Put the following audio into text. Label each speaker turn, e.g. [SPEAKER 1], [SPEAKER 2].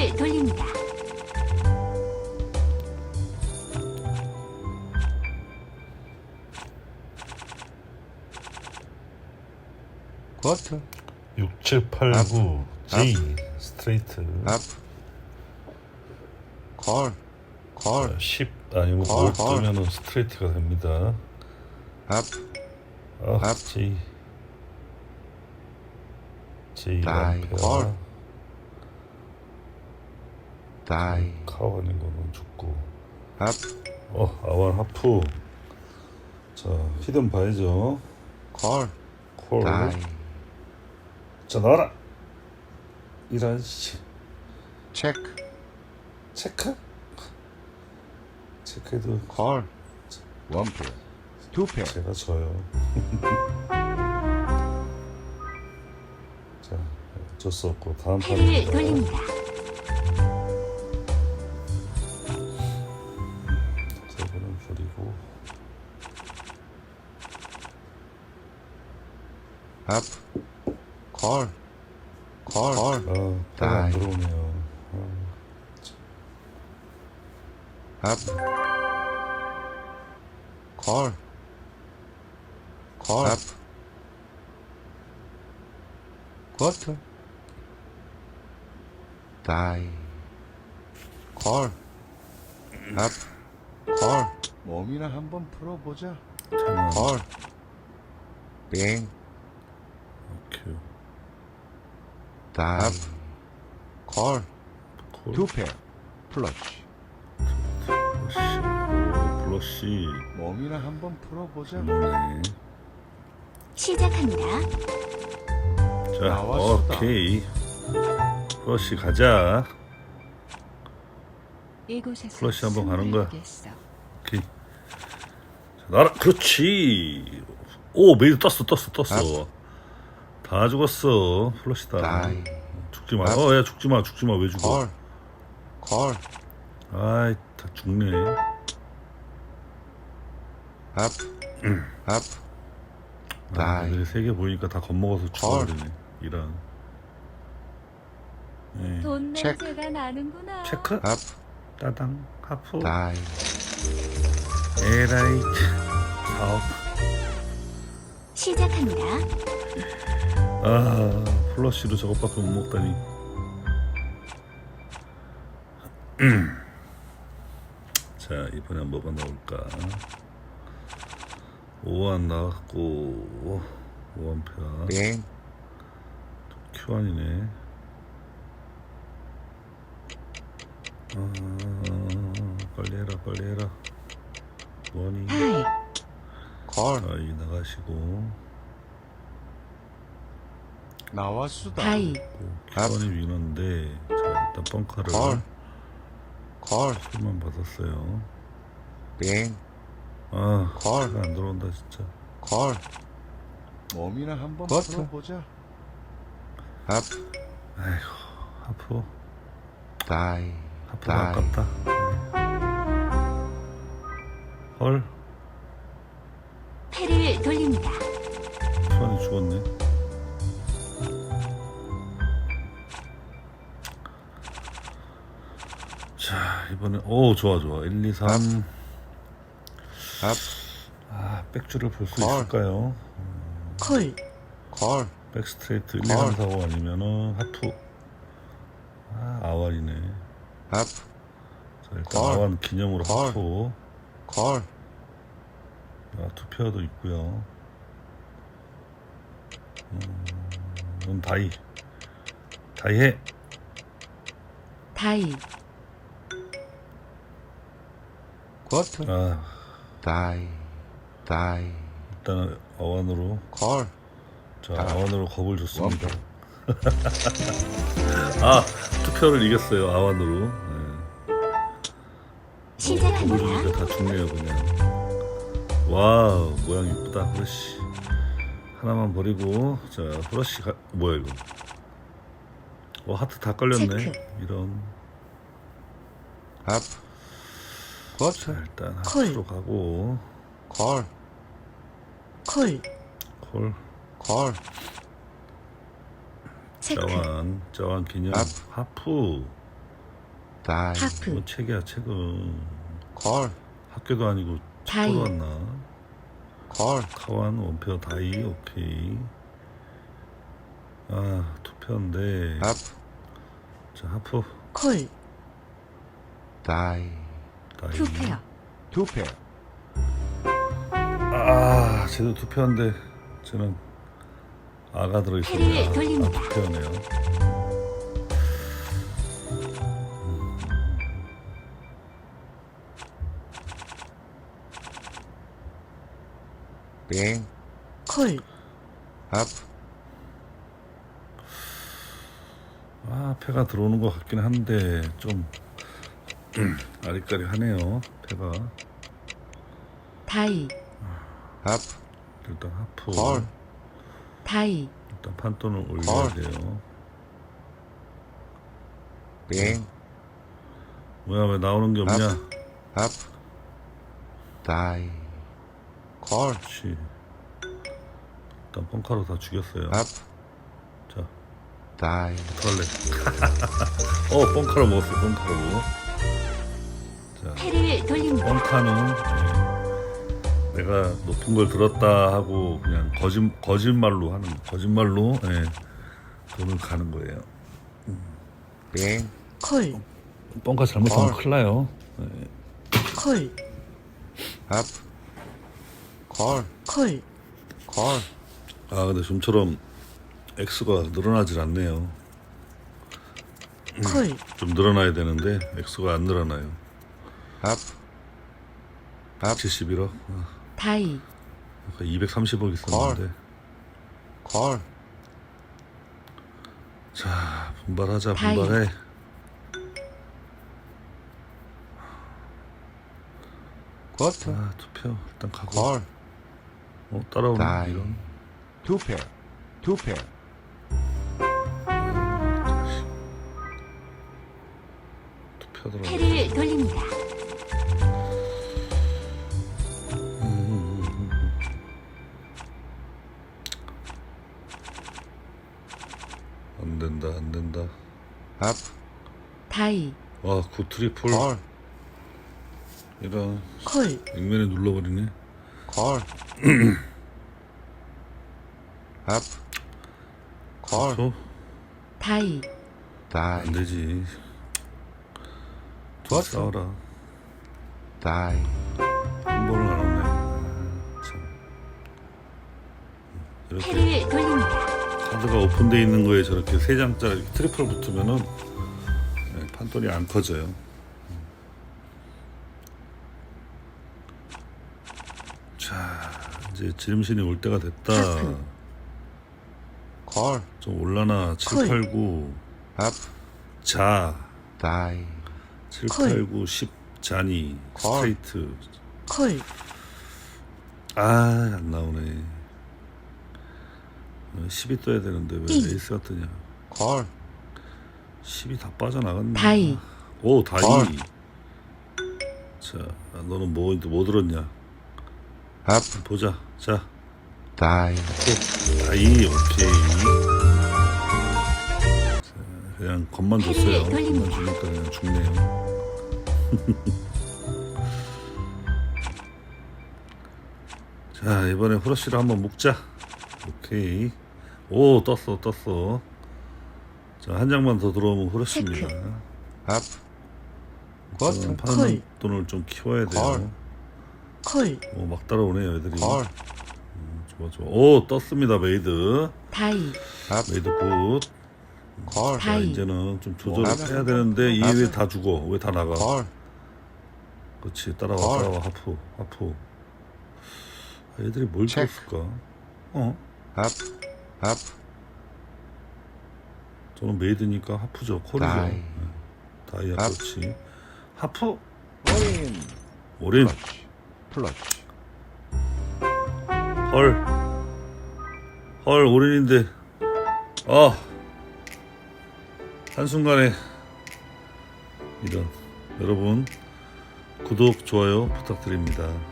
[SPEAKER 1] 패를 돌립니다.
[SPEAKER 2] 쿼터
[SPEAKER 3] 6, 7, 8, 9 J 스트레이트
[SPEAKER 2] 콜
[SPEAKER 3] 10 아니면
[SPEAKER 2] 콜,
[SPEAKER 3] 5 뜨면은 스트레이트가 됩니다. J J
[SPEAKER 2] 다이,
[SPEAKER 3] 람페어
[SPEAKER 2] 콜. 다이
[SPEAKER 3] 카우 아닌 거는 죽고
[SPEAKER 2] 업
[SPEAKER 3] 아완 하프. 자 히든 봐야죠.
[SPEAKER 2] 콜
[SPEAKER 3] 콜.
[SPEAKER 2] 다이
[SPEAKER 3] 자 나와라. 이런 씨.
[SPEAKER 2] 체크
[SPEAKER 3] 체크? 체크해도
[SPEAKER 2] 콜 원페어 투페어
[SPEAKER 3] 제가 져요. 자 어쩔 수 없고 다음
[SPEAKER 1] 패를
[SPEAKER 3] 판입니다.
[SPEAKER 1] 돌립니다.
[SPEAKER 3] 세 번은 버리고
[SPEAKER 2] 업 콜 콜
[SPEAKER 3] 패가 안
[SPEAKER 2] 다이.
[SPEAKER 3] 들어오네요.
[SPEAKER 2] 업 콜 콜 쿼터 다이 콜 몸이나 한번 풀어보자
[SPEAKER 3] 잠깐
[SPEAKER 2] 빙
[SPEAKER 3] 큐
[SPEAKER 2] 다이 콜
[SPEAKER 3] 콜
[SPEAKER 2] 투페어 플러시
[SPEAKER 3] 플러시
[SPEAKER 2] 몸이나 한번 풀어보자
[SPEAKER 3] 네.
[SPEAKER 1] 시작합니다.
[SPEAKER 3] 자
[SPEAKER 2] 나왔수다.
[SPEAKER 3] 오케이 플러시 가자.
[SPEAKER 4] 이곳에서
[SPEAKER 3] 플러시 한번 가는 거야.
[SPEAKER 4] 승부하겠어.
[SPEAKER 3] 오케이. 자, 나라 그렇지. 오 메이드 떴어. 다 죽었어. 플러시다.
[SPEAKER 2] 다이
[SPEAKER 3] 죽지마. 야 죽지마 왜 죽어.
[SPEAKER 2] 콜
[SPEAKER 3] 아이 다 죽네.
[SPEAKER 2] 업 다이
[SPEAKER 3] 애들이 3개 보이니까 다 겁먹어서 죽어버리네. 이런. 네.
[SPEAKER 4] 돈
[SPEAKER 2] 체크.
[SPEAKER 4] 냄새가 나는구나.
[SPEAKER 3] 체크.
[SPEAKER 2] 업
[SPEAKER 3] 따당 하프.
[SPEAKER 2] 다이
[SPEAKER 3] 에라이 사업.
[SPEAKER 1] 시작합니다.
[SPEAKER 3] 아 플러시로 저것밖에 못 먹다니. 자 이번엔 뭐가 나올까. 5원 나왔고 5원표야.
[SPEAKER 2] 빙
[SPEAKER 3] Q1이네. 빨리 해라. 원이
[SPEAKER 1] 다이
[SPEAKER 2] 콜
[SPEAKER 3] 이 나가시고
[SPEAKER 2] 나왔수다
[SPEAKER 1] 다이
[SPEAKER 3] Q1이 위너인데 자 일단 벙커를
[SPEAKER 2] 콜
[SPEAKER 3] 풀만 받았어요.
[SPEAKER 2] 빙
[SPEAKER 3] 아
[SPEAKER 2] 콜.
[SPEAKER 3] 차가 안 들어온다 진짜.
[SPEAKER 2] 콜 몸이나 한번
[SPEAKER 3] 쿼터.
[SPEAKER 2] 풀어보자 업
[SPEAKER 3] 아이고 하프
[SPEAKER 2] 다이
[SPEAKER 3] 하프가 아깝다. 헐
[SPEAKER 1] 패를 돌립니다.
[SPEAKER 3] Q1이 죽었네. 자 이번에 오 좋아 1, 2, 3.
[SPEAKER 2] 업
[SPEAKER 3] 백줄을 볼 수
[SPEAKER 2] 콜.
[SPEAKER 3] 있을까요?
[SPEAKER 1] 콜
[SPEAKER 3] 백스트레이트 1, 2, 3, 4, 5 아니면은 하프. 아완이네.
[SPEAKER 2] 업
[SPEAKER 3] 자 일단
[SPEAKER 2] 콜.
[SPEAKER 3] 아완 기념으로
[SPEAKER 2] 콜.
[SPEAKER 3] 하프.
[SPEAKER 2] 콜
[SPEAKER 3] 투페어도 있고요. 넌 다이 해.
[SPEAKER 1] 다이
[SPEAKER 2] 쿼터 다이
[SPEAKER 3] 일단 아완으로.
[SPEAKER 2] 콜
[SPEAKER 3] 자
[SPEAKER 2] 다.
[SPEAKER 3] 아완으로 겁을 줬습니다. 투표를 이겼어요 아완으로. 네. 겁을
[SPEAKER 1] 시작합니다.
[SPEAKER 3] 주니까 다 죽네요 그냥. 와우 모양 이쁘다. 그렇지. 하나만 버리고 자 브러쉬 뭐야 이거. 하트 다 걸렸네.
[SPEAKER 1] 체크.
[SPEAKER 3] 이런.
[SPEAKER 2] 업
[SPEAKER 3] 자
[SPEAKER 2] 쿼터
[SPEAKER 3] 일단
[SPEAKER 1] 콜.
[SPEAKER 3] 하트로 가고
[SPEAKER 2] 콜
[SPEAKER 3] 콜.
[SPEAKER 1] 체크
[SPEAKER 3] 자완 기념
[SPEAKER 2] 업.
[SPEAKER 3] 하프.
[SPEAKER 2] 다이,
[SPEAKER 1] 하프,
[SPEAKER 3] 뭐 책이야 책은.
[SPEAKER 2] 콜,
[SPEAKER 3] 학교도 아니고
[SPEAKER 1] 다이.
[SPEAKER 3] 축구로 왔나?
[SPEAKER 2] 콜,
[SPEAKER 3] 카완 원페어 다이. 오케이. 아 투표인데.
[SPEAKER 2] 하프,
[SPEAKER 3] 자 하프
[SPEAKER 1] 콜,
[SPEAKER 2] 다이,
[SPEAKER 3] 다이.
[SPEAKER 1] 투페어,
[SPEAKER 2] 투 페어,
[SPEAKER 3] 아 쟤도 투표인데 쟤는 아가 들어있어요.
[SPEAKER 1] 패를 돌립니다.
[SPEAKER 3] 투표네요.
[SPEAKER 2] 빙,
[SPEAKER 1] 콜,
[SPEAKER 2] 하프,
[SPEAKER 3] 아 패가 들어오는 것 같긴 한데 좀 아리까리하네요. 패가.
[SPEAKER 1] 다이,
[SPEAKER 2] 하프,
[SPEAKER 3] 일단 하프.
[SPEAKER 2] 콜,
[SPEAKER 1] 다이,
[SPEAKER 3] 일단 판돈을 올려야
[SPEAKER 2] 콜.
[SPEAKER 3] 돼요.
[SPEAKER 2] 빙,
[SPEAKER 3] 뭐야 왜 나오는 게 없냐?
[SPEAKER 2] 하프, 다이, 콜,
[SPEAKER 3] 그렇지. 일단 펑카로 다 죽였어요.
[SPEAKER 2] 하프,
[SPEAKER 3] 자
[SPEAKER 2] 다이,
[SPEAKER 3] 어떡할래? 펑카로 먹었어요. 펑카로. 자
[SPEAKER 1] 패를 돌립니다.
[SPEAKER 3] 펑카는 내가 높은 걸 들었다 하고 그냥 거짓말로 하는 거짓말로 돈을 가는 거예요.
[SPEAKER 2] 빙,
[SPEAKER 1] 콜,
[SPEAKER 3] 펑카 잘못하면
[SPEAKER 2] 헐.
[SPEAKER 3] 큰일 나요.
[SPEAKER 1] 콜,
[SPEAKER 2] 하프, 콜,
[SPEAKER 1] 콜,
[SPEAKER 2] 콜,
[SPEAKER 3] 아 근데 좀처럼 X가 늘어나질 않네요.
[SPEAKER 1] 콜,
[SPEAKER 3] 좀 늘어나야 되는데 X가 안 늘어나요.
[SPEAKER 2] 하프, 하프,
[SPEAKER 3] 71억.
[SPEAKER 1] 다이,
[SPEAKER 3] 230억 있었는데.
[SPEAKER 2] 콜,
[SPEAKER 3] 자 분발하자.
[SPEAKER 1] 다이.
[SPEAKER 3] 분발해.
[SPEAKER 2] 쿼터,
[SPEAKER 3] 아 투표 일단 가고.
[SPEAKER 2] 콜,
[SPEAKER 3] 따라오네
[SPEAKER 2] 다이,
[SPEAKER 3] 이런.
[SPEAKER 2] 투 페어, 투 페어,
[SPEAKER 3] 투표 들어.
[SPEAKER 1] 패를 돌립니다.
[SPEAKER 3] 안 된다 안 된다.
[SPEAKER 2] 하프,
[SPEAKER 1] 다이,
[SPEAKER 3] 와굿 트리플.
[SPEAKER 2] 콜,
[SPEAKER 3] 이런
[SPEAKER 1] 콜,
[SPEAKER 3] 액면에 눌러버리네.
[SPEAKER 2] 콜, 하프, 콜,
[SPEAKER 3] 투표
[SPEAKER 1] 다이,
[SPEAKER 2] 다이,
[SPEAKER 3] 안 되지.
[SPEAKER 2] 좋았어.
[SPEAKER 3] 싸워라.
[SPEAKER 2] 다이,
[SPEAKER 3] 한 번을 안 왔네. 참. 이렇게
[SPEAKER 1] 패를 돌립니다.
[SPEAKER 3] 카드가 오픈되어 있는 거에 저렇게 세 장짜리 트리플 붙으면은 판돈이 안 커져요. 자 이제 지름신이 올 때가 됐다.
[SPEAKER 1] 하프.
[SPEAKER 2] 콜,
[SPEAKER 3] 좀 올라나. 7,
[SPEAKER 1] 콜.
[SPEAKER 3] 8, 9
[SPEAKER 2] 하프,
[SPEAKER 3] 자.
[SPEAKER 2] 다이,
[SPEAKER 3] 7,
[SPEAKER 1] 콜.
[SPEAKER 3] 8, 9, 10 자니
[SPEAKER 2] 콜.
[SPEAKER 3] 스트레이트.
[SPEAKER 1] 콜,
[SPEAKER 3] 아 안 나오네. 10이 떠야 되는데 왜
[SPEAKER 1] 이.
[SPEAKER 3] 에이스가 뜨냐.
[SPEAKER 2] 콜,
[SPEAKER 3] 10이 다 빠져나갔네.
[SPEAKER 1] 다이,
[SPEAKER 3] 오 다이.
[SPEAKER 2] 콜.
[SPEAKER 3] 자 너는 뭐 들었냐.
[SPEAKER 2] 하프,
[SPEAKER 3] 보자. 자
[SPEAKER 2] 다이,
[SPEAKER 3] 다이. 오케이. 자, 그냥 겁만 줬어요. 겁만 주니까 그냥 죽네요. 자 이번에 후러쉬를 한번 묶자. 오케이. 오 떴어. 자 한 장만 더 들어오면 후러쉬입니다.
[SPEAKER 2] 하프, 쿼터,
[SPEAKER 3] 파는 돈을 좀 키워야 돼요.
[SPEAKER 1] 콜,
[SPEAKER 3] 막 따라오네요 애들이.
[SPEAKER 2] 콜,
[SPEAKER 3] 좋아. 오 떴습니다. 메이드.
[SPEAKER 1] 다이,
[SPEAKER 2] 하프,
[SPEAKER 3] 메이드 굿.
[SPEAKER 2] 콜,
[SPEAKER 3] 자
[SPEAKER 1] 다이.
[SPEAKER 3] 이제는 좀 조절을
[SPEAKER 2] 하프.
[SPEAKER 3] 해야 되는데 이 왜 다 죽어? 왜 다 나가?
[SPEAKER 2] 콜,
[SPEAKER 3] 그렇지. 따라와.
[SPEAKER 2] 콜.
[SPEAKER 3] 하프. 애들이 뭘
[SPEAKER 2] 체크.
[SPEAKER 3] 떴을까?
[SPEAKER 2] 하프, 하프,
[SPEAKER 3] 저는 메이드니까 하프죠. 콜이죠.
[SPEAKER 2] 다이.
[SPEAKER 3] 다이아.
[SPEAKER 2] 하프.
[SPEAKER 3] 그렇지. 하프.
[SPEAKER 2] 올인,
[SPEAKER 3] 오린.
[SPEAKER 2] 플러치,
[SPEAKER 3] 헐 올인인데. 한순간에 이런. 여러분 구독 좋아요 부탁드립니다.